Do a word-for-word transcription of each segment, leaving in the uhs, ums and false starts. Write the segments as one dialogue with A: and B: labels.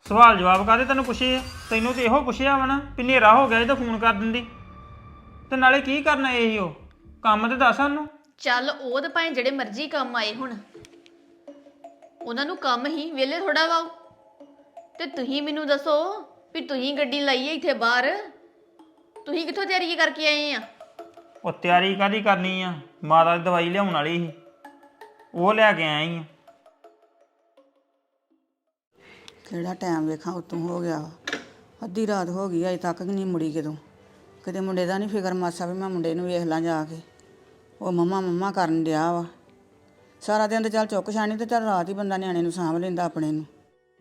A: ਸਵਾਲ ਜਵਾਬ ਕਾਹਦੇ ਤੈਨੂੰ ਪੁੱਛੇ ਆ? ਤੈਨੂੰ ਤੇ ਇਹੋ ਪੁੱਛਿਆ ਵਾ ਨਾ ਵੀ ਹਨੇਰਾ ਹੋ ਗਿਆ ਇਹ ਤਾਂ ਫੋਨ ਕਰ ਦਿੰਦੀ। ਤੇ ਨਾਲੇ ਕੀ ਕਰਨਾ ਇਹੀ ਉਹ ਕੰਮ ਤੇ ਦੱਸ ਸਾਨੂੰ।
B: ਚੱਲ ਉਹ ਤਾਂ ਭਾਵੇਂ ਜਿਹੜੇ ਮਰਜ਼ੀ ਕੰਮ ਆਏ ਹੁਣ, ਉਹਨਾਂ ਨੂੰ ਕੰਮ ਹੀ ਵਿਹਲੇ ਥੋੜਾ ਵਾ। ਤੇ ਤੁਸੀਂ ਮੈਨੂੰ ਦੱਸੋ ਵੀ ਤੁਸੀਂ ਗੱਡੀ ਲਾਈ ਹੈ ਇੱਥੇ ਬਾਹਰ, ਤੁਸੀਂ ਕਿੱਥੋਂ ਤਿਆਰੀ ਕਰਕੇ ਆਏ ਆ?
A: ਉਹ ਤਿਆਰੀ ਕਾਹਦੀ ਕਰਨੀ ਆ, ਮਾਤਾ ਦੀ ਦਵਾਈ ਲਿਆਉਣ ਵਾਲੀ ਸੀ, ਉਹ ਲੈ ਕੇ ਆਇਆ ਹੀ ਆ।
C: ਕਿਹੜਾ ਟਾਈਮ ਵੇਖਾਂ ਉਤੋਂ ਹੋ ਗਿਆ ਵਾ, ਅੱਧੀ ਰਾਤ ਹੋ ਗਈ ਅਜੇ ਤੱਕ ਨਹੀਂ ਮੁੜੀ। ਕਿਦੋਂ ਕਿਤੇ ਮੁੰਡੇ ਦਾ ਨਹੀਂ ਫਿਕਰ ਮਾਸਾ ਵੀ ਮੈਂ ਮੁੰਡੇ ਨੂੰ ਵੇਖ ਲਾਂ ਜਾ ਕੇ। ਉਹ ਮੰਮਾ ਮੰਮਾ ਕਰਨ ਡਿਆ ਵਾ ਸਾਰਾ ਦਿਨ। ਤੇ ਚੱਲ ਚੁੱਕ ਛਾਣੀ ਤੇ ਚੱਲ ਰਾਤ ਹੀ ਬੰਦਾ ਨਿਆਣੇ ਨੂੰ ਸਾਂਭ ਲੈਂਦਾ ਆਪਣੇ ਨੂੰ।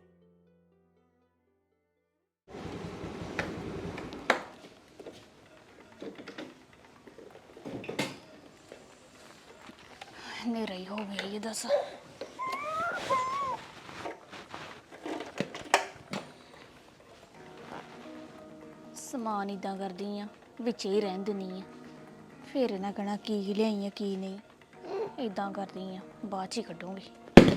B: ਹਨੇਰਾ ਹੀ ਹੋ ਗਿਆ ਇਹ ਦੱਸ। ਸਮਾਨ ਇਦਾਂ ਕਰਦੀ ਆ ਵਿੱਚ ਹੀ ਰਹਿਣ ਦਿੰਦੀ ਆ, ਫਿਰ ਇਹਨਾਂ ਕਹਿਣਾ ਕੀ ਲਿਆਈ ਆ ਕੀ ਨਹੀਂ। ਇਦਾਂ ਕਰਦੀ ਆ ਬਾਅਦ 'ਚ ਹੀ ਕੱਢੂੰਗੀ।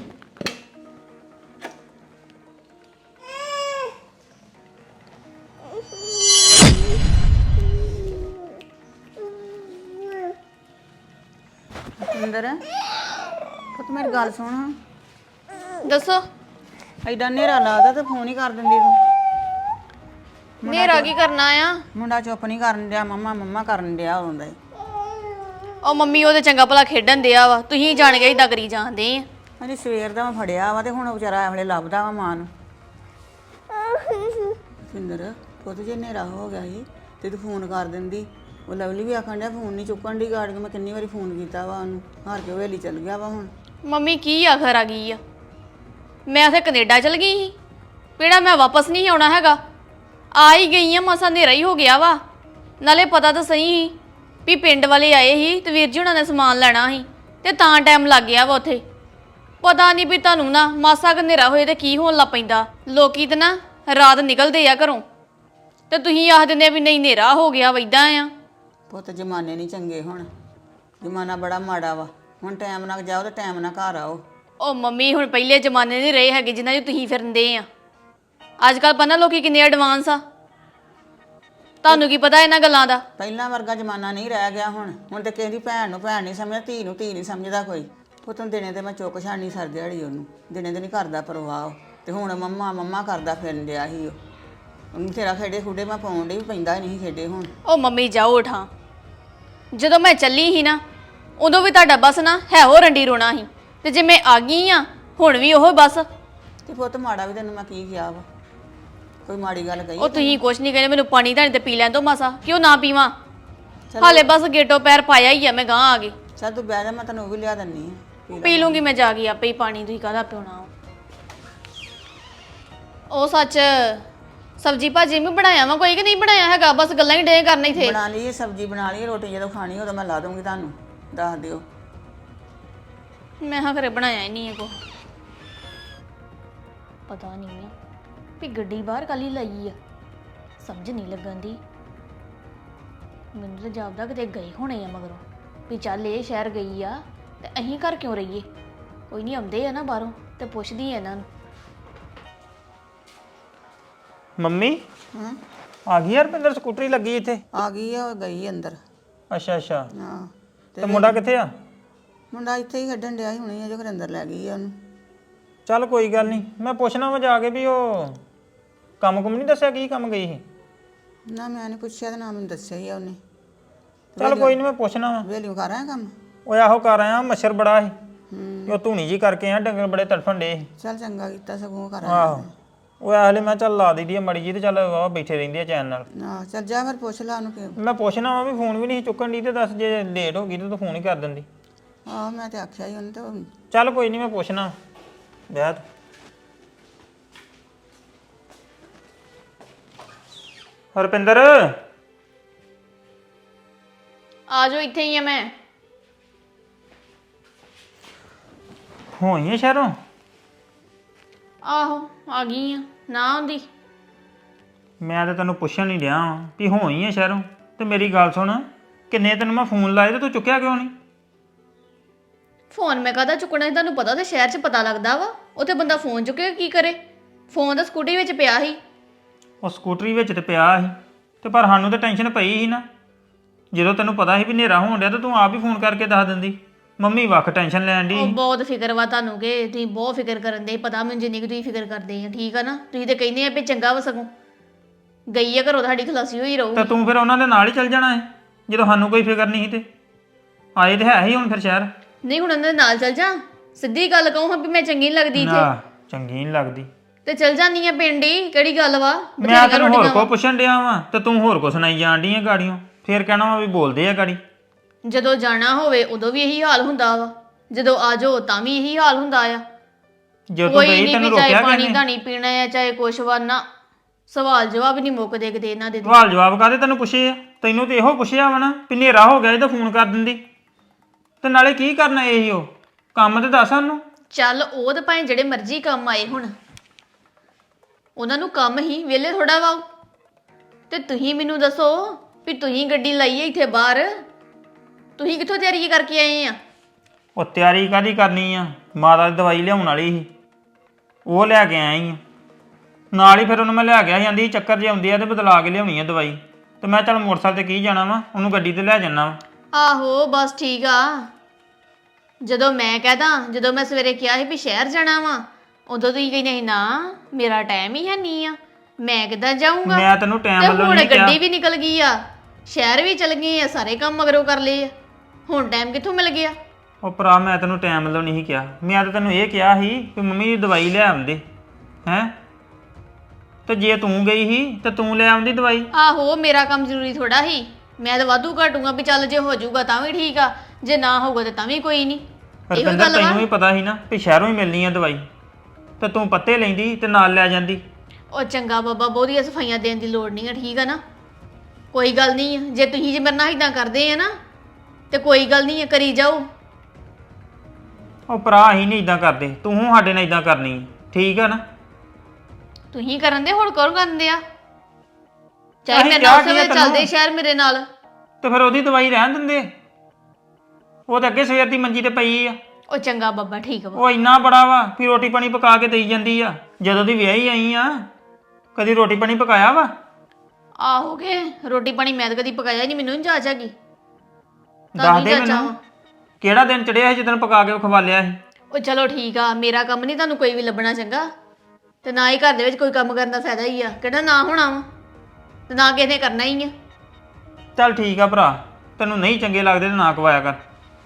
C: ਅੰਦਰ ਪੁੱਤ ਮੇਰੀ ਗੱਲ ਸੁਣ ਹਾਂ।
B: ਦੱਸੋ
C: ਐਡਾ ਹਨੇਰਾ ਲੱਗਦਾ ਤੇ ਫੋਨ ਹੀ ਕਰ ਦਿੰਦੀ ਤੂੰ।
B: ਹਨੇਰਾ ਕੀ ਕਰਨਾ ਆ?
C: ਮੁੰਡਾ ਚੁੱਪ ਨਹੀਂ ਕਰਨ ਡਿਆ, ਮੰਮਾ ਮੰਮਾ ਕਰਨ ਡਿਆ ਹੁੰਦਾ।
B: ਉਹ ਮੰਮੀ ਉਹਦੇ ਚੰਗਾ ਭਲਾ ਖੇਡਣ ਦਿਆ ਵਾ, ਤੁਸੀਂ ਜਾਣ ਕੇ ਇਦਾਂ ਕਰੀ ਜਾਂਦੇ ਆ।
C: ਅਜੇ ਸਵੇਰ ਦਾ ਮੈਂ ਫੜਿਆ ਵਾ ਤੇ ਹੁਣ ਵਿਚਾਰਾ ਐਵੇਂ ਲੱਭਦਾ ਵਾ ਮਾਂ ਨੂੰ। ਸਿੰਦਰ ਪੁੱਤ ਜੇ ਹਨੇਰਾ ਹੋ ਗਿਆ ਸੀ ਤੇ ਤੂੰ ਫੋਨ ਕਰ ਦਿੰਦੀ। ਉਹ ਲਵਲੀ ਵੀ ਆਖਣ ਡਿਆ ਫੋਨ ਨਹੀਂ ਚੁੱਕਣ ਦੀ ਗਾੜ ਕੇ। ਮੈਂ ਕਿੰਨੀ ਵਾਰੀ ਫੋਨ ਕੀਤਾ ਵਾ ਉਹਨੂੰ, ਹਾਰ ਕੇ ਹਵੇਲੀ ਚੱਲ ਗਿਆ ਵਾ ਹੁਣ।
B: ਮੰਮੀ ਕੀ ਆਖਰ ਆ ਗਈ ਆ? ਮੈਂ ਉੱਥੇ ਕੈਨੇਡਾ ਚਲ ਗਈ ਸੀ, ਕਿਹੜਾ ਮੈਂ ਵਾਪਸ ਨਹੀਂ ਆਉਣਾ ਹੈਗਾ। ਆ ਹੀ ਗਈ ਆ, ਮਸਾਂ ਹਨੇਰਾ ਹੀ ਹੋ ਗਿਆ ਵਾ। ਨਾਲੇ ਪਤਾ ਤਾਂ ਸਹੀ ਸੀ ਵੀ ਪਿੰਡ ਵਾਲੇ ਆਏ ਸੀ ਤੇ ਵੀਰ ਜੀ ਉਹਨਾਂ ਨੇ ਸਮਾਨ ਲੈਣਾ ਸੀ ਤੇ ਤਾਂ ਟਾਈਮ ਲੱਗ ਗਿਆ ਵਾ ਉੱਥੇ। ਪਤਾ ਨਹੀਂ ਵੀ ਤੁਹਾਨੂੰ ਨਾ ਮਾਸਾ ਕੁ ਹਨੇਰਾ ਹੋਏ ਤੇ ਕੀ ਹੋਣ ਲੱਗ ਪੈਂਦਾ। ਲੋਕੀ ਤੇ ਨਾ ਰਾਤ ਨਿਕਲਦੇ ਆ ਘਰੋਂ ਤੇ ਤੁਸੀਂ ਆਖ ਦਿੰਦੇ ਵੀ ਨਹੀਂ ਹਨੇਰਾ ਹੋ ਗਿਆ ਵਾ ਇੱਦਾਂ ਆ।
C: ਪੁੱਤ ਜ਼ਮਾਨੇ ਨਹੀਂ ਚੰਗੇ ਹੁਣ, ਜ਼ਮਾਨਾ ਬੜਾ ਮਾੜਾ ਵਾ। ਹੁਣ ਟਾਈਮ ਨਾਲ ਜਾਓ ਤੇ ਟਾਈਮ ਨਾਲ ਘਰ ਆਓ।
B: ਉਹ ਮੰਮੀ ਹੁਣ ਪਹਿਲੇ ਜ਼ਮਾਨੇ ਨਹੀਂ ਰਹੇ ਹੈਗੇ ਜਿਨ੍ਹਾਂ 'ਚ ਤੁਸੀਂ ਫਿਰਦੇ ਆ। ਅੱਜ ਕੱਲ੍ਹ ਪਤਾ ਲੋਕੀ ਕਿੰਨੇ ਐਡਵਾਂਸ ਆ, ਤੁਹਾਨੂੰ ਕੀ ਪਤਾ ਇਹਨਾਂ ਗੱਲਾਂ ਦਾ।
C: ਪਹਿਲਾਂ ਵਰਗਾ ਜ਼ਮਾਨਾ ਨਹੀਂ ਰਹਿ ਗਿਆ ਹੁਣ। ਹੁਣ ਤੇ ਕਿਸੇ ਦੀ ਭੈਣ ਨੂੰ ਭੈਣ ਨਹੀਂ ਸਮਝਦਾ, ਧੀ ਨੂੰ ਧੀ ਨਹੀਂ ਸਮਝਦਾ ਕੋਈ। ਪੁੱਤ ਨੂੰ ਦਿਨੇ ਤੇ ਮੈਂ ਚੁੱਕ ਛਾਣੀ ਸਰ ਦਿਹਾੜੀ ਉਹਨੂੰ, ਦਿਨੇ ਤੇ ਨਹੀਂ ਕਰਦਾ ਪਰਵਾਹ। ਤੇ ਹੁਣ ਮੰਮਾ ਮੰਮਾ ਕਰਦਾ ਫਿਰਨ ਡਿਆ ਸੀ ਉਹ। ਉਹਨੂੰ ਤੇਰਾ ਖੇਡੇ ਖੁੱਡੇ ਮੈਂ ਪਾਉਣ ਡਈ, ਪੈਂਦਾ ਨਹੀਂ ਖੇਡੇ ਹੁਣ।
B: ਉਹ ਮੰਮੀ ਜਾਓ ਉਠਾਂ, ਜਦੋਂ ਮੈਂ ਚੱਲੀ ਸੀ ਨਾ ਉਦੋਂ ਵੀ ਤੁਹਾਡਾ ਬਸ ਨਾ ਹੈ ਹੋ ਰੰਡੀ ਰੋਣਾ ਸੀ, ਤੇ ਜੇ ਮੈਂ ਆ ਗਈ ਆ ਹੁਣ ਵੀ ਉਹ ਬਸ।
C: ਤੇ ਪੁੱਤ ਮਾੜਾ ਵੀ ਤੈਨੂੰ ਮੈਂ ਕੀ ਕਿਹਾ ਵਾ? ਕੋਈ ਮਾੜੀ ਗੱਲ ਕਹੀ?
B: ਉਹ ਤੁਸੀਂ ਕੁਛ ਨਹੀਂ ਕਹਿੰਦੇ, ਮੈਨੂੰ ਪਾਣੀ ਤਾਂ ਤੇ ਪੀ ਲੈਣ ਦੋ ਮਾਸਾ, ਕਿਉਂ ਨਾ ਪੀਵਾਂ? ਹਾਲੇ ਬਸ ਗੇਟੋ ਪੈਰ ਪਾਇਆ ਹੀ ਆ, ਮੈਂ ਗਾਂ ਆ ਗਈ।
C: ਚੱਲ ਤੂੰ ਬਹਿ ਜਾ, ਮੈਂ ਤੈਨੂੰ ਉਹ ਵੀ ਲਿਆ ਦਿੰਨੀ ਆ।
B: ਪੀ ਲੂੰਗੀ ਮੈਂ ਜਾ ਕੇ ਆਪੇ ਹੀ ਪਾਣੀ, ਤੁਸੀਂ ਕਾਹਦਾ ਪਿਉਣਾ? ਉਹ ਸੱਚ ਸਬਜੀ ਭਾਜੀ ਵੀ ਬਣਾਇਆ ਵਾ ਕੋਈ ਕਿ ਨਹੀਂ ਬਣਾਇਆ ਹੈਗਾ? ਬਸ ਗੱਲਾਂ ਹੀ ਡੇ ਕਰਨੇ ਥੇ।
C: ਬਣਾ ਲਈ ਸਬਜ਼ੀ, ਬਣਾ ਲਈ ਰੋਟੀ। ਜਦੋਂ ਖਾਣੀ ਉਦੋਂ ਮੈਂ ਲਾ ਦੂੰਗੀ, ਤੁਹਾਨੂੰ ਦੱਸ ਦਿਓ।
B: ਮੈਂ ਹਾਂ ਘਰੇ ਬਣਾਇਆ ਹੀ ਨਹੀਂ ਹੈ ਕੋ। ਪਤਾ ਨਹੀਂ ਆ ਵੀ ਗੱਡੀ ਬਾਹਰ ਕਾਲੀ ਲਾਈ ਆ, ਸਮਝ ਨਹੀਂ ਲੱਗਣ ਦੀ। ਮੈਨੂੰ ਤਾਂ ਜਾਪਦਾ ਕਿਤੇ ਗਏ ਹੋਣੇ ਆ ਮਗਰੋਂ, ਵੀ ਚੱਲ ਇਹ ਸ਼ਹਿਰ ਗਈ ਆ ਤੇ ਅਸੀਂ ਘਰ ਕਿਉਂ ਰਹੀਏ। ਕੋਈ ਨਹੀਂ ਆਉਂਦੇ ਆ ਨਾ ਬਾਹਰੋਂ ਤੇ ਪੁੱਛਦੀ ਆ ਇਹਨਾਂ ਨੂੰ।
A: ਮੰਮੀ
C: ਹਾਂ
A: ਆ ਗਈ ਯਾਰ, ਰੁਪਿੰਦਰ ਸਕੂਟਰੀ ਲੱਗੀ ਇੱਥੇ।
C: ਆ ਗਈ ਆ, ਉਹ ਗਈ ਅੰਦਰ।
A: ਅੱਛਾ ਅੱਛਾ,
C: ਹਾਂ
A: ਤੇ ਮੁੰਡਾ ਕਿੱਥੇ ਆ?
C: ਮੁੰਡਾ ਇੱਥੇ ਹੀ ਖੇਡਣ ਡਿਆ ਸੀ ਹੁਣੇ, ਅਜੇ ਅੰਦਰ ਲੈ ਗਈ ਆ ਉਹਨੂੰ।
A: ਚੱਲ ਕੋਈ ਗੱਲ ਨਹੀਂ, ਮੈਂ ਪੁੱਛਣਾ ਵਾ ਜਾ ਕੇ ਵੀ ਉਹ ਕੰਮ ਕੁਮ ਨਹੀਂ ਦੱਸਿਆ ਕੀ ਕੰਮ ਗਈ ਸੀ।
C: ਨਾ ਮੈਂ ਨਹੀਂ ਪੁੱਛਿਆ ਤੇ ਨਾ ਮੈਨੂੰ ਦੱਸਿਆ ਹੀ ਆ ਉਹਨੇ।
A: ਚੱਲ ਕੋਈ ਨਹੀਂ, ਮੈਂ ਪੁੱਛਣਾ ਵਾ।
C: ਵੇਲੀਓ ਕਰ ਆਇਆ ਕੰਮ?
A: ਉਹ ਆਹੋ ਕਰ ਆਇਆ, ਮੱਛਰ ਬੜਾ ਸੀ
C: ਹੂੰ
A: ਉਹ ਧੂਣੀ ਜੀ ਕਰਕੇ ਆ, ਡੰਗਰ ਬੜੇ ਤੜਫਣ ਡੇ ਸੀ।
C: ਚੱਲ ਚੰਗਾ ਕੀਤਾ ਸਗੋਂ ਕਰ ਆਇਆ।
A: ਆਹੋ ਉਹ ਆਹਲੇ ਮੈਂ ਚੱਲ ਲਾ ਦਈਦੀ ਆ ਮੜੀ ਜੀ, ਤੇ ਚੱਲ ਉਹ ਬੈਠੇ ਰਹਿੰਦੀ ਆ ਚੈਨ ਨਾਲ।
C: ਆਹ ਚੱਲ ਜਾ ਫਿਰ ਪੁੱਛ ਲਾ ਉਹਨੂੰ ਕਿ।
A: ਮੈਂ ਪੁੱਛਣਾ ਵਾ ਵੀ ਫੋਨ ਵੀ ਨਹੀਂ ਚੁੱਕਣ ਦੀ, ਤੇ ਦੱਸ ਜੇ ਲੇਟ ਹੋ ਗਈ ਤੇ ਤੂੰ ਫੋਨ ਹੀ ਕਰ ਦਿੰਦੀ।
C: ਆਹ ਮੈਂ ਤੇ ਆਖਿਆ ਹੀ ਉਹਨੇ। ਤੇ
A: ਚੱਲ ਕੋਈ ਨਹੀਂ, ਮੈਂ ਪੁੱਛਣਾ ਵਿਆਹ ਹਰਪਿੰਦਰ
B: ਆ ਜਾਓ, ਇੱਥੇ ਹੀ ਆ ਮੈਂ।
A: ਹੋਈ ਆ ਸ਼ਹਿਰੋਂ?
B: ਆਹੋ ਆ ਗਈ ਆ, ਨਾ ਆਉਂਦੀ।
A: ਮੈਂ ਤਾਂ ਤੈਨੂੰ ਪੁੱਛਣ ਨਹੀਂ ਡਿਆ ਵਾਂ ਵੀ ਹੋਈ ਆ ਸ਼ਹਿਰੋਂ। ਤੇ ਮੇਰੀ ਗੱਲ ਸੁਣ, ਕਿੰਨੇ ਤੈਨੂੰ ਮੈਂ ਫੋਨ ਲਾਏ ਤੇ ਤੂੰ ਚੁੱਕਿਆ ਕਿਉਂ ਨਹੀਂ?
B: ਫੋਨ ਮੈਂ ਕਾਹਦਾ ਚੁੱਕਣਾ ਸੀ? ਤੁਹਾਨੂੰ ਪਤਾ ਤੇ ਸ਼ਹਿਰ 'ਚ ਪਤਾ ਲੱਗਦਾ ਵਾ, ਉੱਥੇ ਬੰਦਾ ਫੋਨ ਚੁੱਕੇ ਕੀ ਕਰੇ। ਫੋਨ ਤਾਂ ਸਕੂਟੀ ਵਿੱਚ ਪਿਆ ਸੀ।
A: ਉਹ ਸਕੂਟਰੀ ਵਿੱਚ ਤੇ ਪਿਆ ਸੀ ਤੇ ਪਰ ਸਾਨੂੰ ਤਾਂ ਟੈਨਸ਼ਨ ਪਈ ਸੀ ਨਾ। ਜਦੋਂ ਤੈਨੂੰ ਪਤਾ ਸੀ ਵੀ ਹਨੇਰਾ ਹੋਣ ਡਿਆ ਤਾਂ ਤੂੰ ਆਪ ਹੀ ਫੋਨ ਕਰਕੇ ਦੱਸ ਦਿੰਦੀ। ਮੰਮੀ ਵੱਖ ਟੈਨਸ਼ਨ ਲੈਣ ਦੀ
B: ਉਹ ਬਹੁਤ ਫਿਕਰ ਵਾ ਤੁਹਾਨੂੰ ਕਿ ਤੁਸੀਂ ਬਹੁਤ ਫਿਕਰ ਕਰਨ ਦੇ ਪਤਾ ਮੈਨੂੰ ਜਿੰਨੀ ਕੁ ਤੁਸੀਂ ਫਿਕਰ ਕਰਦੇ ਆ ਠੀਕ ਆ ਨਾ। ਤੁਸੀਂ ਤੇ ਕਹਿੰਦੇ ਆ ਵੀ ਚੰਗਾ ਵਾ ਸਗੋਂ ਗਈ ਆ ਘਰੋਂ ਤੁਹਾਡੀ ਖਲਾਸੀ ਹੋਈ ਰਹੂ।
A: ਤਾਂ ਤੂੰ ਫਿਰ ਉਹਨਾਂ ਦੇ ਨਾਲ ਹੀ ਚੱਲ ਜਾਣਾ ਹੈ ਜਦੋਂ ਸਾਨੂੰ ਕੋਈ ਫਿਕਰ ਨਹੀਂ ਸੀ ਤੇ ਆਏ ਤੇ ਹੈ ਹੀ ਹੁਣ ਫਿਰ ਸ਼ਹਿਰ।
B: ਨਹੀਂ ਹੁਣ ਉਹਨਾਂ ਦੇ ਨਾਲ ਚੱਲ ਜਾ ਸਿੱਧੀ ਗੱਲ ਕਹੂੰ ਹਾਂ ਵੀ ਮੈਂ ਚੰਗੀ ਨਹੀਂ ਲੱਗਦੀ ਇੱਥੇ
A: ਨਾ ਚੰਗੀ ਨਹੀਂ ਲੱਗਦੀ
B: ਤੇ ਚੱਲ ਜਾਨੀ ਆ ਪਿੰਡ ਹੀ ਕਿਹੜੀ ਗੱਲ ਵਾ
A: ਮੈਂ ਤੈਨੂੰ ਹੋਰ ਕੋ ਪੁੱਛਣ ਡਿਆ ਵਾਂ ਤੇ ਤੂੰ ਹੋਰ ਕੋ ਸੁਣਾਈ ਜਾਣ ਡਈ ਆ ਗਾੜੀਆਂ। ਫੇਰ ਕਹਿਣਾ ਵਾ ਵੀ ਬੋਲਦੇ ਆ ਗਾੜੀ।
B: ਜਦੋਂ ਜਾਣਾ ਹੋਵੇ ਉਦੋਂ ਵੀ ਇਹੀ ਹਾਲ ਹੁੰਦਾ ਵਾ ਜਦੋਂ ਆ ਜਾਓ ਤਾਂ ਵੀ ਇਹੀ ਹਾਲ ਹੁੰਦਾ ਆ।
A: ਜੇ ਤੂੰ
B: ਕੋਈ
A: ਗਈ
B: ਨਹੀਂ
A: ਤੈਨੂੰ
B: ਵੀ ਚਾਹੇ
A: ਰੋਕਿਆ
B: ਪਾਣੀ
A: ਕਿਹਨੇ?
B: ਧਾਣੀ ਪੀਣਾ ਆ ਚਾਹੇ ਕੁਛ ਵਾ ਨਾ ਸਵਾਲ ਜਵਾਬ ਨਹੀਂ ਮੁੱਕਦੇ ਕਿਤੇ ਇਹਨਾਂ ਦੇ।
A: ਸਵਾਲ ਜਵਾਬ ਕਾਹਦੇ ਤੈਨੂੰ ਪੁੱਛੇ ਆ? ਤੈਨੂੰ ਤੇ ਇਹੋ ਪੁੱਛਿਆ ਵਾ ਨਾ ਵੀ ਹਨੇਰਾ ਹੋ ਗਿਆ ਇਹਦਾ ਫੋਨ ਕਰ ਦਿੰਦੀ ਤੇ ਨਾਲੇ ਕੀ ਕਰਨਾ ਇਹੀ ਉਹ ਕੰਮ ਤੇ ਦੱਸ ਸਾਨੂੰ।
B: ਚੱਲ ਉਹ ਤਾਂ ਭਾਵੇਂ ਜਿਹੜੇ ਮਰਜ਼ੀ ਕੰਮ ਆਏ ਹੁਣ ਉਹਨਾਂ ਨੂੰ ਕੰਮ ਹੀ ਵਿਹਲੇ ਥੋੜਾ ਵਾ ਉਹ। ਤੇ ਤੁਸੀਂ ਮੈਨੂੰ ਦੱਸੋ ਵੀ ਤੁਸੀਂ ਗੱਡੀ ਲਾਈ ਹੈ ਇੱਥੇ ਬਾਹਰ ਤੁਸੀਂ ਕਿੱਥੋਂ ਤਿਆਰੀ ਕਰਕੇ ਆਏ ਆ?
A: ਉਹ ਤਿਆਰੀ ਕਾਹਦੀ ਕਰਨੀ ਆ ਮਾਤਾ ਦੀ ਦਵਾਈ ਲਿਆਉਣ ਵਾਲੀ ਸੀ ਉਹ ਲੈ ਕੇ ਆਇਆ ਹੀ ਆ ਨਾਲ ਹੀ। ਫਿਰ ਉਹਨੂੰ ਮੈਂ ਲੈ ਗਿਆ ਜਾਂਦੀ ਚੱਕਰ ਜੇ ਆਉਂਦੀ ਆ ਤੇ ਬਦਲਾ ਕੇ ਲਿਆਉਣੀ ਆ ਦਵਾਈ ਤੇ ਮੈਂ ਚੱਲ ਮੋਟਰਸਾਈਕਲ ਤੇ ਕੀ ਜਾਣਾ ਵਾ ਉਹਨੂੰ ਗੱਡੀ ਤੇ ਲੈ ਜਾਣਾ ਵਾ।
B: ਆਹੋ ਬਸ ਠੀਕ ਆ। ਜਦੋਂ ਮੈਂ ਕਹਦਾ ਜਦੋਂ ਮੈਂ ਸਵੇਰੇ ਕਿਹਾ ਸੀ ਵੀ ਸ਼ਹਿਰ ਜਾਣਾ ਵਾ ਉਦੋਂ ਤੁਸੀਂ ਕਹਿੰਦੇ ਸੀ ਨਾ ਮੇਰਾ ਟਾਈਮ ਹੀ ਹੈ ਨਹੀਂ ਆ ਮੈਂ ਕਿੱਦਾਂ ਜਾਊਂਗਾ।
A: ਮੈਂ ਤੈਨੂੰ ਟਾਈਮ
B: ਤੇ
A: ਵੱਲੋਂ
B: ਹੁਣ
A: ਨਹੀਂ ਕਿਹਾ।
B: ਗੱਡੀ ਵੀ ਨਿਕਲ ਗਈ ਆ ਸ਼ਹਿਰ ਵੀ ਚਲ ਗਏ ਆ ਸਾਰੇ ਕੰਮ ਮਗਰੋਂ ਕਰ ਲਏ ਆ ਹੁਣ ਟਾਈਮ ਕਿੱਥੋਂ ਮਿਲ ਗਿਆ?
A: ਉਹ ਭਰਾ ਮੈਂ ਤੈਨੂੰ ਟਾਈਮ ਵੱਲੋਂ ਨਹੀਂ ਕਿਹਾ। ਮੈਂ ਤਾਂ ਤੈਨੂੰ ਇਹ ਕਿਹਾ ਸੀ ਵੀ ਮੰਮੀ ਦੀ ਦਵਾਈ ਲੈ ਆਉਂਦੇ ਹੈਂ ਤੇ ਜੇ ਤੂੰ ਗਈ ਸੀ ਤੇ ਤੂੰ ਲੈ ਆਉਂਦੀ ਦਵਾਈ।
B: ਆਹੋ ਮੇਰਾ ਕੰਮ ਜ਼ਰੂਰੀ ਥੋੜਾ ਹੀ ਮੈਂ ਤਾਂ ਵਾਧੂ ਘਟੂਗਾ ਵੀ ਚੱਲ ਜੇ ਹੋ ਜਾਊਗਾ ਤਾਂ ਵੀ ਠੀਕ ਆ ਜੇ ਨਾ ਹੋਊਗਾ ਤੇ ਤਾਂ ਵੀ ਕੋਈ ਨਹੀਂ। ਇਹੋ
A: ਰਪਿੰਦਰ
B: ਗੱਲ ਵਾ।
A: ਤੈਨੂੰ ਵੀ ਪਤਾ ਸੀ ਨਾ ਵੀ ਸ਼ਹਿਰੋਂ ਹੀ ਮਿਲਣੀ ਆ ਦਵਾਈ ਤੇ ਤੂੰ ਪੱਤੇ ਲੈਂਦੀ ਤੇ ਨਾਲ ਲੈ ਜਾਂਦੀ।
B: ਉਹ ਚੰਗਾ ਬਾਬਾ ਬਹੁਤੀਆਂ ਸਫਾਈਆਂ ਦੇਣ ਦੀ ਲੋੜ ਨਹੀਂ ਆ ਠੀਕ ਆ ਨਾ ਕੋਈ ਗੱਲ ਨਹੀਂ ਆ ਜੇ ਤੁਸੀਂ ਜੇ ਮੇਰੇ ਨਾਲ ਇਦਾਂ ਕਰਦੇ ਆ ਨਾ ਤੇ ਕੋਈ ਗੱਲ ਨਹੀਂ ਆ ਕਰੀ ਜਾਓ।
A: ਉਹ ਭਰਾ ਅਸੀਂ ਨਹੀਂ ਇਦਾਂ ਕਰਦੇ ਤੂੰ ਸਾਡੇ ਨਾਲ ਇਦਾਂ ਕਰਨੀ ਠੀਕ ਆ ਨਾ।
B: ਤੁਸੀਂ ਕਰਨ ਦੇ ਹੁਣ ਕੌਣ ਕਰਦੇ ਆ ਚਾਹੇ
A: ਅਸੀਂ
B: ਮੇਰੇ
A: ਕਿਹਾ
B: ਨਾਲ
A: ਕੀ ਆ
B: ਸਵੇਰੇ
A: ਤੈਨੂੰ?
B: ਚੱਲਦੇ ਸ਼ਹਿਰ ਮੇਰੇ ਨਾਲ
A: ਤੇ ਫਿਰ ਉਹਦੀ ਦਵਾਈ ਰਹਿਣ ਦਿੰਦੇ ਉਹ ਤਾਂ ਅੱਗੇ ਸਵੇਰ ਦੀ ਮੰਜੀ ਤੇ ਪਈ ਆ।
B: ਉਹ ਚੰਗਾ ਬਾਬਾ ਠੀਕ ਵਾ
A: ਉਹ ਇੰਨਾ ਬੜਾ ਵਾ ਵੀ ਰੋਟੀ ਪਾਣੀ ਪਕਾ ਕੇ ਦੇਈ ਜਾਂਦੀ ਆ। ਜਦੋਂ ਦੀ ਵਿਆਹੀ ਆਈ ਆ ਕਦੀ ਰੋਟੀ ਪਾਣੀ ਪਕਾਇਆ ਵਾ?
B: ਆਹੋ ਕੇ ਰੋਟੀ ਪਾਣੀ ਮੈਂ ਤਾਂ ਕਦੀ ਪਕਾਇਆ ਨਹੀਂ ਮੈਨੂੰ ਨਹੀਂ ਜਾਚ ਹੈਗੀ।
A: ਦੱਸ ਦੇ ਮੈਨੂੰ ਕਿਹੜਾ ਦਿਨ ਚੜਿਆ ਸੀ ਜਦੋਂ ਪਕਾ ਕੇ ਖਵਾ ਲਿਆ ਸੀ?
B: ਉਹ ਚਲੋ ਠੀਕ ਆ ਮੇਰਾ ਕੰਮ ਨਹੀਂ ਤੁਹਾਨੂੰ ਕੋਈ ਵੀ ਲੱਭਣਾ ਚੰਗਾ ਤੇ ਨਾ ਹੀ ਘਰ ਦੇ ਵਿੱਚ ਕੋਈ ਕੰਮ ਕਰਨ ਦਾ ਫਾਇਦਾ ਹੀ ਆ ਕਿਹੜਾ ਨਾ ਹੋਣਾ ਵਾ ਤੇ ਨਾ ਕਿਸੇ ਨੇ ਕਰਨਾ ਹੀ ਆ।
A: ਚੱਲ ਠੀਕ ਆ ਭਰਾ ਤੈਨੂੰ ਨਹੀਂ ਚੰਗੇ ਲੱਗਦੇ ਤੇ ਨਾ ਖਵਾਇਆ ਕਰ।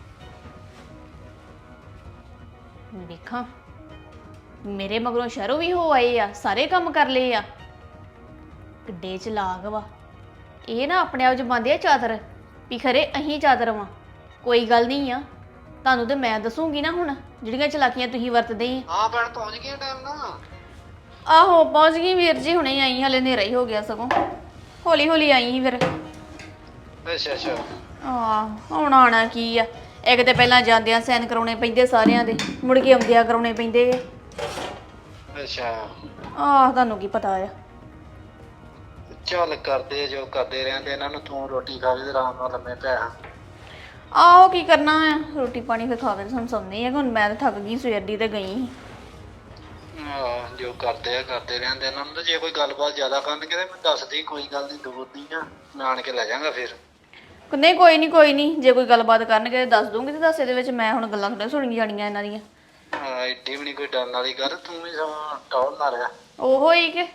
B: ਵੇਖਾਂ ਮੇਰੇ ਮਗਰੋਂ ਸ਼ਹਿਰੋਂ ਵੀ ਹੋ ਆਏ ਆ ਸਾਰੇ ਕੰਮ ਕਰ ਲਏ ਆ ਕਿੱਡੇ ਚ ਲਾਗ ਵਾ ਇਹ ਨਾ ਆਪਣੇ ਆਪ ਚ ਬੰਦੇ ਆ ਚਾਦਰ ਵੀ ਖਰੇ ਅਹੀਂ ਚਾਦਰ ਵਾਂ। ਕੋਈ ਗੱਲ ਨਹੀਂ ਆ ਤੁਹਾਨੂੰ ਤੇ ਮੈਂ ਦੱਸੂਗੀ ਨਾ ਹੁਣ ਜਿਹੜੀਆਂ ਚਲਾਕੀਆਂ ਤੁਸੀਂ ਵਰਤਦੇ ਆ।
D: ਹਾਂ ਭੈਣ ਪਹੁੰਚ ਗਈ ਟਾਈਮ ਨਾਲ।
B: ਆਹੋ ਪਹੁੰਚ ਗਈ ਵੀਰ ਜੀ ਹੁਣੇ ਆਈ ਹਲੇ ਹਨੇਰਾ ਹੀ ਹੋ ਗਿਆ ਸਗੋਂ ਹੌਲੀ ਹੌਲੀ ਆਈ ਸੀ ਫਿਰ।
D: ਅੱਛਾ ਅੱਛਾ
B: ਆਹ ਹੁਣ ਆਉਣਾ ਕੀ ਆ ਇੱਕ ਤੇ ਪਹਿਲਾਂ ਜਾਂਦਿਆਂ ਸਾਈਨ ਕਰਾਉਣੇ ਪੈਂਦੇ ਸਾਰਿਆਂ ਦੇ ਮੁੜ ਕੇ ਆਉਂਦਿਆਂ ਕਰਾਉਣੇ ਪੈਂਦੇ ਆ।
D: ਅੱਛਾ
B: ਆਹ ਤੁਹਾਨੂੰ ਕੀ ਪਤਾ ਆ।
D: ਚੱਲ ਕਰਦੇ ਜੋ ਕਰਦੇ ਰਹਿੰਦੇ ਇਹਨਾਂ ਨੂੰ ਤੂੰ ਰੋਟੀ ਖਾ ਕੇ ਤੇ ਆਰਾਮ ਨਾਲ ਲੰਮੇ ਪੈ।
B: ਆਹੋ ਕੀ ਕਰਨਾ ਆ ਰੋਟੀ ਪਾਣੀ ਫਿਰ ਖਾ ਕੇ ਸਾਨੂੰ ਸੌਂਦੇ ਆ ਹੁਣ ਮੈਂ ਤਾਂ ਥੱਕ ਗਈ ਸਵੇਰ ਦੀ ਤੇ ਗਈ ਸੀ।
D: ਆਹ ਜੋ ਕਰਦੇ ਆ ਕਰਦੇ ਰਹਿੰਦੇ ਇਹਨਾਂ ਨੂੰ ਤੇ ਜੇ ਕੋਈ ਗੱਲਬਾਤ ਜ਼ਿਆਦਾ ਕਰਨਗੇ ਤੇ ਮੈਂ ਦੱਸਦੀ ਕੋਈ ਗੱਲ ਨਹੀਂ ਦੂਰ ਦੀ ਨਾ ਮੈਂ ਆਣ ਕੇ ਲੈ ਜਾਵਾਂਗਾ ਫਿਰ।
B: ਨਹੀਂ ਕੋਈ ਨਹੀਂ ਕੋਈ ਨਹੀਂ ਜੇ ਕੋਈ ਗੱਲਬਾਤ ਕਰਨਗੇ ਤਾਂ ਦੱਸ ਦੂੰਗੀ ਤੇ ਦੱਸ ਇਹਦੇ ਵਿੱਚ ਮੈਂ ਹੁਣ ਗੱਲਾਂ ਥੋੜ੍ਹਾ ਸੁਣੀਆਂ ਜਾਣੀਆਂ ਇਹਨਾਂ ਦੀਆਂ।
D: ਹਾਂ ਏਡੀ ਵੀ ਨਹੀਂ ਕੋਈ ਡਰਨ ਵਾਲੀ ਗੱਲ ਤੂੰ ਵੀ ਸਮਾਂ ਟੌਲ ਨਾ ਰਿਹਾ।
B: ਉਹੋ ਹੀ ਕਿ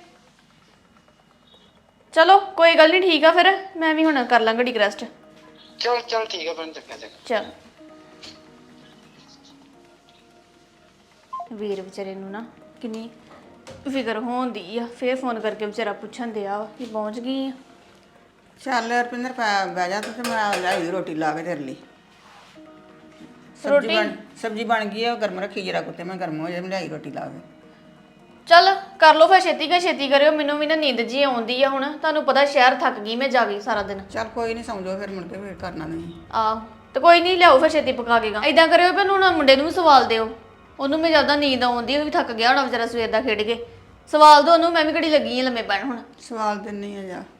B: ਚਲੋ ਕੋਈ ਗੱਲ ਨਹੀਂ ਠੀਕ ਆ ਫਿਰ ਮੈਂ ਵੀ ਹੁਣ ਕਰ ਲਾਂ ਘੜੀ ਰੈਸਟ।
D: ਚੱਲ ਚੱਲ ਠੀਕ ਆ ਭੈਣ ਚੰਗਾ ਚੰਗਾ।
B: ਚਲ ਵੀਰ ਵਿਚਾਰੇ ਨੂੰ ਨਾ ਕਿੰਨੀ ਫਿਕਰ ਹੋਉਂਦੀ ਆ ਫੇਰ ਫੋਨ ਕਰਕੇ ਵਿਚਾਰਾ ਪੁੱਛਣ ਦਿਆ ਵਾ ਕਿ ਪਹੁੰਚ ਗਈ ਆ।
C: ਚੱਲ ਰਪਿੰਦਰ ਪੈ ਬਹਿ ਜਾ ਤੂੰ ਤੇ ਮੈਂ ਲਿਆਈ ਰੋਟੀ ਲਾ ਕੇ ਤੇਰੇ ਲਈ।
B: ਰੋਟੀ?
C: ਸਬਜ਼ੀ ਬਣ ਸਬਜ਼ੀ ਬਣ ਗਈ ਆ ਉਹ ਗਰਮ ਰੱਖੀ ਜਰਾ ਕੁੱਤੇ ਮੈਂ ਗਰਮ ਹੋ ਜਾ ਮੈਂ ਲਿਆਈ ਰੋਟੀ ਲਾ ਕੇ।
B: ਚੱਲ ਕਰ ਲਓ ਫਿਰ ਛੇਤੀ ਕਰ ਛੇਤੀ ਕਰਿਓ ਮੈਨੂੰ ਵੀ ਨਾ ਨੀਂਦ ਜੀ ਆਉਂਦੀ ਆ ਹੁਣ ਤੁਹਾਨੂੰ ਪਤਾ ਸ਼ਹਿਰ ਥੱਕ ਗਈ ਮੈਂ ਜਾ ਗਈ ਸਾਰਾ ਦਿਨ।
C: ਚੱਲ ਕੋਈ ਨਹੀਂ ਸਮਝੋ ਫਿਰ ਮੁੜ ਕੇ ਵੇਟ ਕਰਨਾ ਨਹੀਂ।
B: ਆਹ ਤੇ ਕੋਈ ਨਹੀਂ ਲਿਆਓ ਫਿਰ ਛੇਤੀ ਪਕਾ ਕੇ ਗਾ ਇਦਾਂ ਕਰਿਓ ਵੀ ਹੁਣ ਮੁੰਡੇ ਨੂੰ ਵੀ ਸਵਾਲ ਦਿਓ ਉਹਨੂੰ ਮੈਂ ਜ਼ਿਆਦਾ ਨੀਂਦ ਆਉਂਦੀ ਉਹ ਵੀ ਥੱਕ ਗਿਆ ਹੋਣਾ ਵਿਚਾਰਾ ਸਵੇਰ ਦਾ ਖੇਡ ਕੇ ਸਵਾਲ ਦੋ ਉਹਨੂੰ ਮੈਂ ਵੀ ਘੜੀ ਲੱਗੀ ਆ ਲੰਮੇ ਪੈਣ ਹੁਣ।
C: ਸਵਾਲ ਦਿੰਨੀ ਆ ਜਾ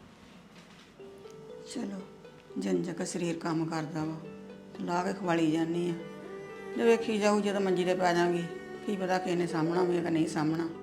C: ਚਲੋ ਜਿੰਨ ਕਾ ਸਰੀਰ ਕੰਮ ਕਰਦਾ ਵਾ ਲਾ ਕੇ ਖਵਾਲੀ ਜਾਂਦੀ ਆ ਜੇ ਵੇਖੀ ਜਾਊ ਜਦੋਂ ਮੰਜੀ ਤੇ ਪੈ ਜਾਵਾਂਗੀ ਕੀ ਪਤਾ ਕਿਸੇ ਨੇ ਸਾਹਮਣਾ ਵੀ ਹੈ ਕਿ ਨਹੀਂ ਸਾਹਮਣਾ।